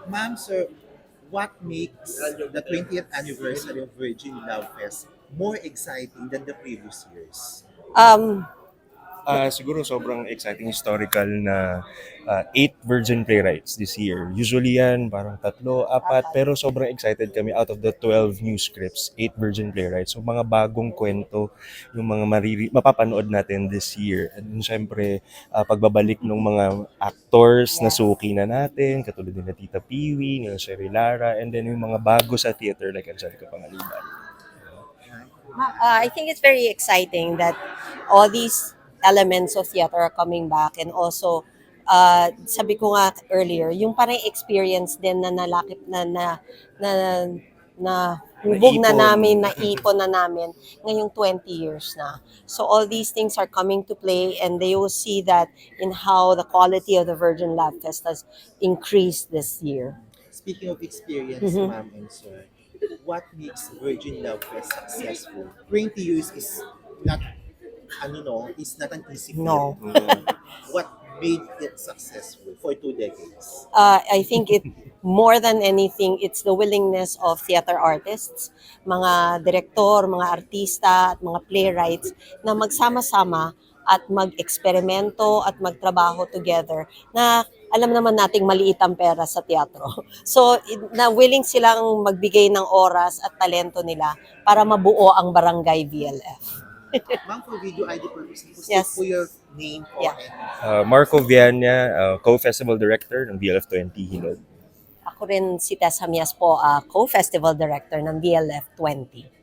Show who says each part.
Speaker 1: Ma'am, sir, what makes the 20th anniversary of Virgin Love Fest more exciting than the previous years?
Speaker 2: Um,
Speaker 3: Siguro sobrang exciting historical na 8 Virgin Playwrights this year. Usually yan, parang tatlo, apat, pero sobrang excited kami out of the 12 new scripts, 8 Virgin Playwrights. So mga bagong kwento, yung mga mapapanood natin this year. And then, syempre, pagbabalik ng mga actors na
Speaker 2: yes.
Speaker 3: suki na natin, katulad nila Tita Piwi, nila Sherry Lara, and then yung mga bago sa theater like Angelica Pangaliban.
Speaker 2: I think it's very exciting that all these elements of theater are coming back, and also sabi ko nga earlier, yung parang experience din na nalakip na, na hubog na
Speaker 3: Naipon.
Speaker 2: namin, naipon na namin ngayong 20 years na. So all these things are coming to play, and they will see that in how the quality of the Virgin Lab Fest has increased this year.
Speaker 1: Speaking of experience,
Speaker 2: Mhm.
Speaker 1: ma'am and sir, what makes Virgin Love Fest successful? 20 years is not, is not an easy feat.
Speaker 2: No.
Speaker 1: What made it successful for 2 decades?
Speaker 2: I think it more than anything, it's the willingness of theater artists, mga direktor, mga artista, at mga playwrights na magsama-sama at mag-eksperimento at magtrabaho together na alam naman nating maliit ang pera sa teatro. So, na willing silang magbigay ng oras at talento nila para mabuo ang Barangay VLF.
Speaker 1: Ma'am, for video ID purposes,
Speaker 2: Yes.
Speaker 1: po your name po
Speaker 2: Yeah.
Speaker 1: and
Speaker 3: Marco Viana, co-festival director ng BLF20 Hinod.
Speaker 2: Ako rin si Tess Hamias po, co-festival director ng VLF 20.